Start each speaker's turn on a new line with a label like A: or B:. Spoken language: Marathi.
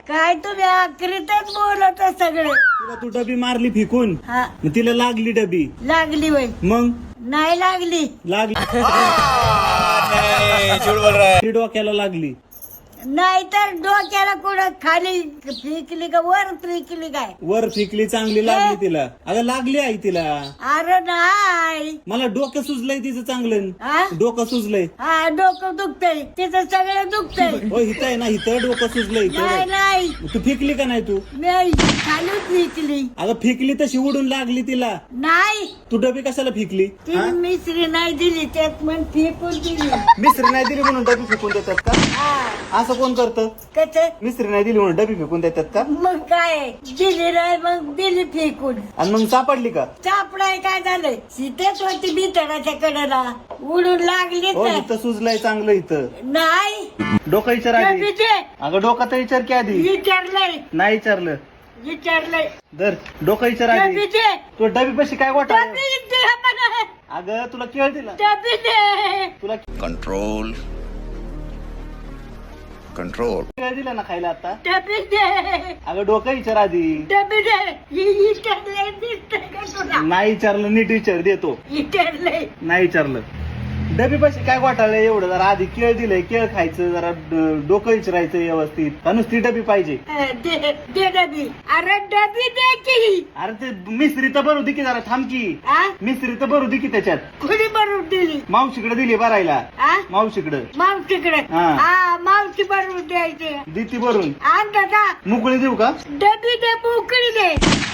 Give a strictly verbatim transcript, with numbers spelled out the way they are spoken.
A: काय तुम्ही आखरीतच बोलत सगळे.
B: तुला तू डबी मारली फेकून,
A: हा
B: मग तिला लागली डबी,
A: लागली वय
B: मग
A: नाही लागली.
B: लागली ती डोक्याला लागली.
A: नाही तर डोक्याला कुठं खाली फेकली का वर फेकली काय.
B: वर फेकली चांगली लागली तिला. अगं लागली आई तिला.
A: अरे नाही
B: मला डोकं सुजलंय तिचं चांगलं.
A: हा
B: डोकं सुजलंय.
A: हा डोकं दुखतय तिचं सगळं दुखतय.
B: हो हित आहे ना, हिथं डोकं सुजलंय
A: नाही
B: इथं.
A: नाही
B: तू फेकली का नाही तू?
A: मी खाली फेकली.
B: अगं फेकली तशी उडून लागली तिला.
A: नाही
B: तू डबी कशाला फेकली?
A: ती मिसरी नाही दिली त्यात मग फेकून दिली.
B: मिसरी नाही दिली म्हणून डबी फेकून देतात का?
A: हा
B: असं कोण करतं?
A: कसं
B: मिसरी नाही दिली म्हणून डबी फेकून देतात का?
A: मग काय दिली नाही मग दिली फेकून.
B: आणि मग सापडली का?
A: चापडाय काय झालंय सीतेच होती बितडाच्या कडेला उडून लागली
B: हो
A: तर.
B: इथं सुजलंय चांगलं इथं.
A: नाही
B: डोकं विचार आधी.
A: विचार
B: अगं डोकं तर विचार की आधी.
A: विचारलंय
B: नाही विचारलं.
A: विचारलंय
B: दर डोकं विचार आधी.
A: विचार
B: तू डबी पशी काय वाटा?
A: डबी दे मला.
B: अगं तुला केळ दिला.
A: डबी दे.
B: तुला
C: कंट्रोल कंट्रोल
B: केळ दिला ना खायला आता.
A: डबी दे.
B: अगं डोकं विचार आधी.
A: डबी दे. विचारलंय दिसतंय का तुला?
B: नाही विचारलं नीट विचार देतो.
A: विचारलंय
B: नाही विचारलं. डबी पशी काय वाटाळलं एवढं? जरा आधी केळ दिलंय, केळ खायचं, जरा ड- डोकं विचारायचं व्यवस्थित. का नुसती डबी पाहिजे?
A: दे दे डबी. अरे डबी दे की.
B: अरे ते मिसरी तर भरू दे की, जरा थांब की.
A: आ
B: मिसरी तर भरू दे की त्याच्यात.
A: कुणी भरून दिली?
B: मावशीकडे दिली भरायला.
A: आ
B: मावशीकडे
A: मावशीकडे.
B: हा.
A: हा मावशी भरून द्यायची.
B: दी ती भरून.
A: आणता का
B: मोकळी देऊ का?
A: डबी दे मोकळी दे.